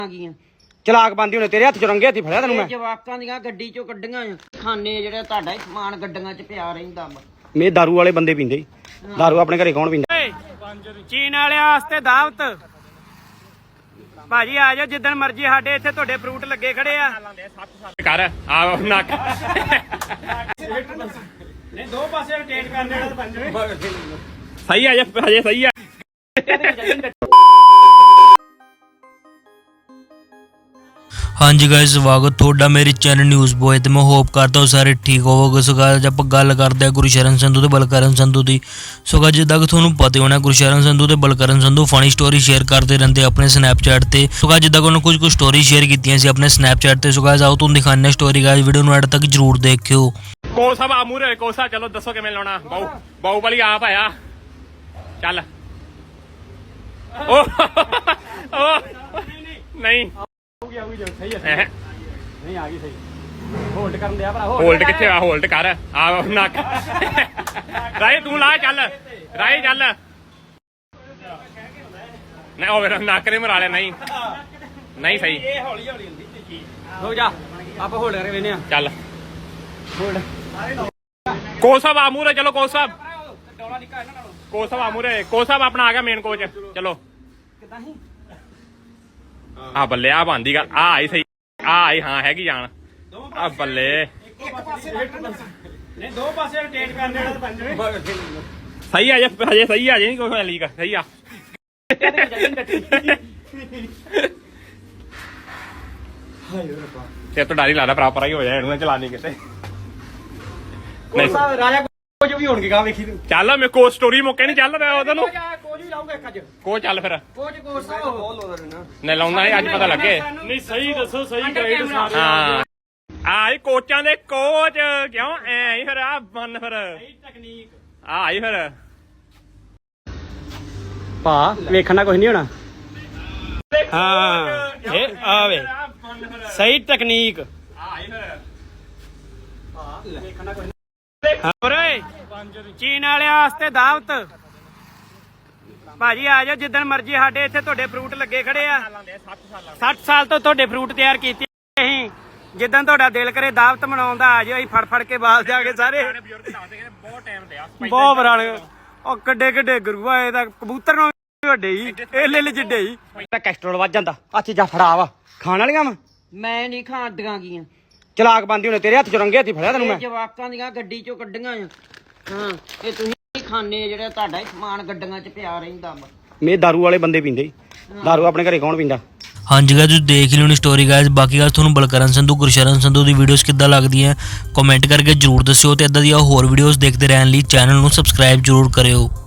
ਚਲਾਕ ਬੰਦੀ ਹੋਣੇ ਤੇਰੇ ਹੱਥ ਚ ਰੰਗੇ ਹੱਥੀ ਫੜਿਆ ਤੈਨੂੰ ਮੈਂ ਜਵਾਕਾਂ ਦੀਆਂ ਗੱਡੀ ਚੋਂ ਕੱਢੀਆਂ ਖਾਨੇ ਜਿਹੜਾ ਤੁਹਾਡਾ ਸਮਾਨ ਗੱਡੀਆਂ 'ਚ ਪਿਆ ਰਹਿੰਦਾ ਮੇ ਦਾਰੂ ਵਾਲੇ ਬੰਦੇ ਪੀਂਦੇ ਦਾਰੂ ਆਪਣੇ ਘਰੇ ਕੌਣ ਪੀਂਦਾ ਚੀਨ ਵਾਲਿਆਂ ਵਾਸਤੇ ਦਾਵਤ ਭਾਜੀ ਆ ਜਾਓ ਜਿੱਦਣ ਮਰਜੀ ਸਾਡੇ ਇੱਥੇ ਤੁਹਾਡੇ ਫਰੂਟ ਲੱਗੇ ਖੜੇ ਆ ਕਰ ਆ ਨੱਕ ਨਹੀਂ ਦੋ ਪਾਸੇ ਰੋਟੇਟ ਕਰ ਦੇਣਾ ਤਾਂ ਪੰਜਵੇਂ ਸਹੀ ਆ ਹਜੇ ਸਹੀ ਆ हाँ जी गाइस स्वागत थोड़ा मेरे चैनल न्यूज़ बॉय तो मैं होप करता हूँ सारे ठीक होवोगे। सो गाइस आप गल करते हैं गुरशरण संधू ते बलकरण संधू की। सो गाइस जिद्दां कि तुहानूं पता होना गुरशरण संधू ते Balkaran Sandhu funny story share करते रहते अपने स्नैपचैट ते। सो गाइस जिद्दां कि उन्होंने कुछ स्टोरी शेयर कीतियां सी अपने स्नैपचैट ते। सो गाइस आओ तुहानूं दिखाने स्टोरी गाइस वीडियो नूं एंड तक जरूर देखियो। कोसा आमूर कोसा चलो दसो किवें लाउणा बाहुबली आप आया चल नहीं नहीं आ गई सही होल्ड करन दिया भरा होल्ड किथे आ होल्ड कर आ नक राय तू ला चल राय चल नहीं ओ मेरा नक ने मरा लिया नहीं नहीं सही ये हौली हौली हुंदी चीज हो जा आप होल्ड करके वेने चल होल्ड कोसा आमूर चलो कोसा कोसा आमूर कोसा अपना आ गया मेन कोच चलो आ बल्ले आ बांधी गल आ आई सही आ आई हाँ हैगी जान आ बल्ले नहीं दो पासे रोटेट कर देना तो पंजवें सही आ हजे सही आ जी कोई लीक सही आ ते तो डारी लादा प्रॉपर ही हो जाए इन्होंने चलानी किते कोसा राजा कोच भी होणगे गा वेखी तू चल मैं कोच स्टोरी मुक्के नहीं चल रहा ओदा नु कोच भी लाऊंगा एक अज कोच चल फिर कोच कोच साहब बोल लो ना नहीं लाउंदा नहीं अज पता लगे नहीं सही दसो सही गाइड सारे हाँ आई कोचां दे कोच क्यों ऐ ही फिर आ बन फिर सही टेक्निक आ आई फिर पा वेखना कुछ नहीं होना हाँ ये आवे सही टेक्निक चीन वालिਆਂ ਵਾਸਤੇ ਦਾਵਤ ਭਾਜੀ ਆ ਜਾਓ ਜਿੱਦਣ ਮਰਜੀ ਸਾਡੇ ਇੱਥੇ ਤੁਹਾਡੇ ਫਰੂਟ ਲੱਗੇ ਖੜੇ ਆ 60 ਸਾਲ ਤੋਂ ਤੁਹਾਡੇ ਫਰੂਟ ਤਿਆਰ ਕੀਤੇ ਅਸੀਂ ਜਿੱਦਣ ਤੁਹਾਡਾ ਦਿਲ ਕਰੇ ਦਾਵਤ ਮਨਾਉਣ ਦਾ ਆ ਜਾਓ ਅਸੀਂ ਫੜ ਫੜ ਕੇ ਬਾਲ ਜਾਗੇ ਸਾਰੇ ਬਹੁਤ ਬਰਾਲ ਉਹ ਕੱਡੇ ਕੱਡੇ ਗੁਰੂਆ ਇਹਦਾ ਕਬੂਤਰ ਨੂੰ ਵੱਡੇ ਹੀ ਇਹ ਲਿਲ ਜਿੱਡੇ ਹੀ ਕੈਸਟਰੋਲ ਵੱਜ ਜਾਂਦਾ ਆ ਚੀਜ਼ਾਂ ਫੜਾ ਵਾ ਖਾਣ ਵਾਲੀਆਂ ਵਾ ਮੈਂ ਨਹੀਂ ਖਾਂਦੀਆਂ ਗੀਆਂ ਚਲਾਕ ਬੰਦੀ ਹੋਣੇ ਤੇਰੇ ਹੱਥ ਚ ਰੰਗੇ ਹੱਥੀ ਫੜਿਆ ਤੈਨੂੰ ਮੈਂ ਜਵਾਕਾਂ ਦੀਆਂ ਗੱਡੀ ਚੋਂ ਕੱਢੀਆਂ ਹਾਂ ਇਹ ਤੁਸੀਂ ਖਾਨੇ ਜਿਹੜਾ ਤੁਹਾਡਾ ਸਮਾਨ ਗੱਡੀਆਂ 'ਚ ਪਿਆ ਰਹਿੰਦਾ ਮੇ ਦਾਰੂ ਵਾਲੇ ਬੰਦੇ ਪੀਂਦੇ ਦਾਰੂ ਆਪਣੇ ਘਰੇ ਕੌਣ ਪੀਂਦਾ हाँ जी गाइस देख ली स्टोरी गाइस बाकी गाइस तुहानूं बलकरण संधू गुरशरण संधू की वीडियोस किद्दां लगदियां कमेंट करके जरूर दस्सिओ ते इदां दी होर वीडियोस देखते रहने लई चैनल नूं सबसक्राइब जरूर करियो।